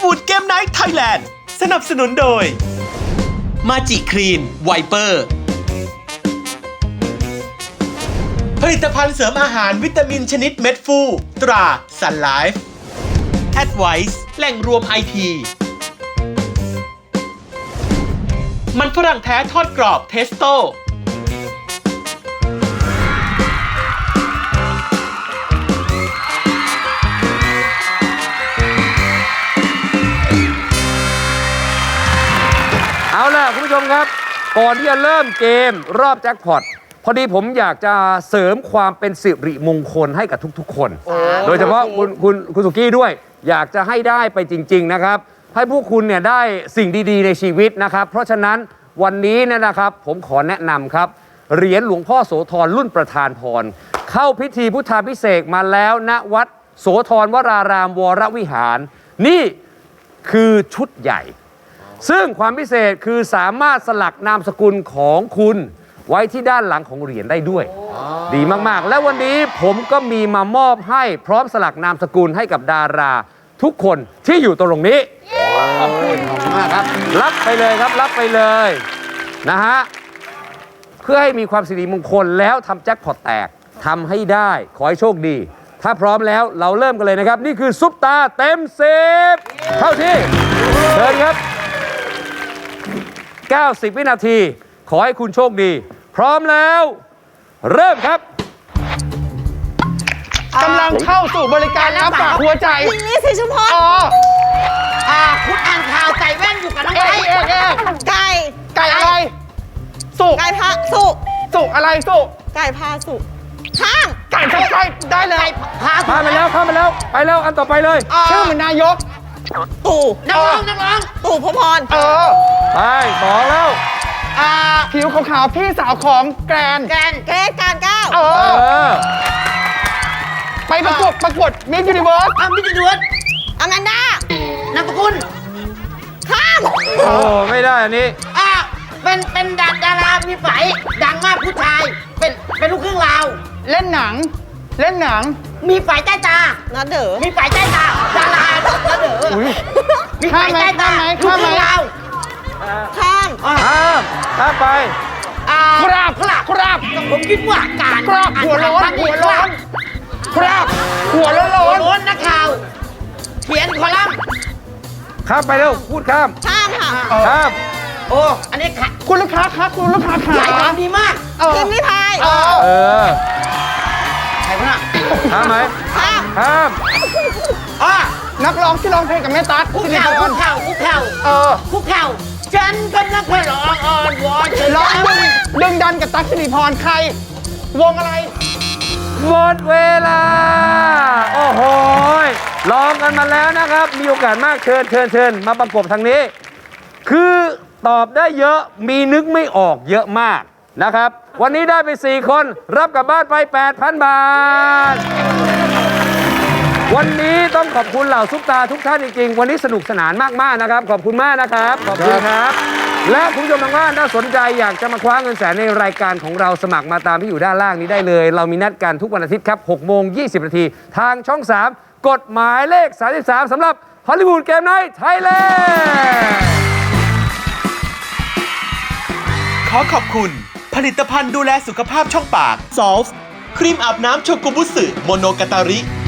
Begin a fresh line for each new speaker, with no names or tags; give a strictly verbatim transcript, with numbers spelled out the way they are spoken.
วูดเกมไนท์ไทยแลนด์สนับสนุนโดยมาจิคลีนไวเปอร์ผลิตภัณฑ์เสริมอาหารวิตามินชนิดเม็ดฟูตราซันไลฟ์แอดไวซ์แหล่งรวมไอทีมันฝรั่งแท้ทอดกรอบเทสโต้
เอาล่ะคุณผู้ชมครับก่อนที่จะเริ่มเกมรอบแจ็คพอตพอดีผมอยากจะเสริมความเป็นสิริมงคลให้กับทุกๆคนโดยเฉพาะคุณคุณคุณสุกี้ด้วยอยากจะให้ได้ไปจริงๆนะครับให้พวกคุณเนี่ยได้สิ่งดีๆในชีวิตนะครับเพราะฉะนั้นวันนี้เนี่ยนะครับผมขอแนะนำครับเหรียญหลวงพ่อโสธรรุ่นประธานพรเข้าพิธีพุทธาภิเษกมาแล้วณวัดโสธรวรารามวรวิหารนี่คือชุดใหญ่ซึ่งความพิเศษคือสามารถสลักนามสกุลของคุณไว้ที่ด้านหลังของเหรียญได้ด้วยดีมากๆและวันนี้ผมก็มีมามอบให้พร้อมสลักนามสกุลให้กับดาราทุกคนที่อยู่ตรงนี้ขอบคุณมากครับรับไปเลยครับรับไปเลยนะฮะเพื่อให้มีความสิริมงคลแล้วทำแจ็คพอตแตกทำให้ได้ขอให้โชคดีถ้าพร้อมแล้วเราเริ่มกันเลยนะครับนี่คือซุปตาเต็มสิบเข้าที่เชิญครับเก้าสิบวินาทีขอให้คุณโชคดีพร้อมแล้วเริ่มครับ
กำลังเข้าสู่บริการรับฝากหัวใจ
ยิงนี้สิชุมพร
อ๋อ
อ่าคุณอ่านข่าวไก่แว่นอยู่กับน้องไก่
เอ๊ะเอ๊ะ
ไก่
ไก่อะไรสุก
ไก่พะสุ
สุกอะไรสุก
ไก่พาสุข้าง
ไก่ชัดใจได้เลย
พาสุ
พาไปแล้วพาไปแล้วไปแล้วอันต่อไปเลย
ชื่อเหมือนนายก
ตู่นักร้องนักร้องตู่พพร
เออ
ไปสองแล้ว
อ่าผิวขาวๆพี่สาวของแกรน
แกรนเกรซการก้าว
เออไปประกวดประกวดมิสยูนิเวิร์ส
อ่ะมิสยูนิเวิร์สอแมนด้านามสกุลข้าม
โอ้ไม่ได้อันนี้
อ่ะเป็นเป็นดาดารามีไฝดังมากผู้ชายเป็นเป็นลูกครึ่งลาว
เล่นหนังเล่นหนัง
มีไฝใต้ตานัดเด๋อมีไฝใต้ตาดารานัดเด๋อมีไฝใต้ตาลูกครึ่งลาวข้าม
ข้ามข้ามไป
คราบคราบคราบ
ผมคิดว่าการ
คราบหัวร้อนหัวร้อนคราบหัวร้อนร้อน
ร้อนนักข่าวเขียนคอลัมน์
ข้ามไปเร็วพูดข้าม
ข้ามค่ะ
ข้าม
โอ้อันนี้ค่ะ
คุณลูกค้าครับคุณลูกค้าขา
ดีมากทีมนิพาย
เออ
ใครวะน่ะ
ข้ามไหม
ข้าม
ข้าม
อ่ะ
นักร้องที่ร้องเพลงกับแม่ตั๊ก
คุกเข่าคุกเข่าคุกเข่า
เออ
คุกเข่าฉันกำลังขอร้องอ่อนวอน
ร้องดึงดึงดันกับตั๊กสิริพรใครวงอะไร
หมดเวลาโอ้โหลองกันมาแล้วนะครับมีโอกาสมากเชิญเชิญเชิญมาประกบทางนี้คือตอบได้เยอะมีนึกไม่ออกเยอะมากนะครับวันนี้ได้ไปสี่คนรับกลับบ้านไป แปดพัน บาทวันนี้ต้องขอบคุณเหล่าซุปตาทุกท่านจริงๆวันนี้สนุกสนานมากๆนะครับขอบคุณมากนะครับขอบคุณครับและคุณผู้ชมทางบ้านถ้าสนใจอยากจะมาคว้าเงินแสนในรายการของเราสมัครมาตามที่อยู่ด้านล่างนี้ได้เลยเรามีนัดกันทุกวันอาทิตย์ครับหกโมงยี่สิบนาทีทางช่องสามกฎหมายเลขสามสิบสามสำหรับฮอลลีวูดเกมไนท์ไทยแลนด์
ขอขอบคุณผลิตภัณฑ์ดูแลสุขภาพช่องปาก ซอลฟ์ ครีมอาบน้ำโชกุบุสึโมโนกาตาริ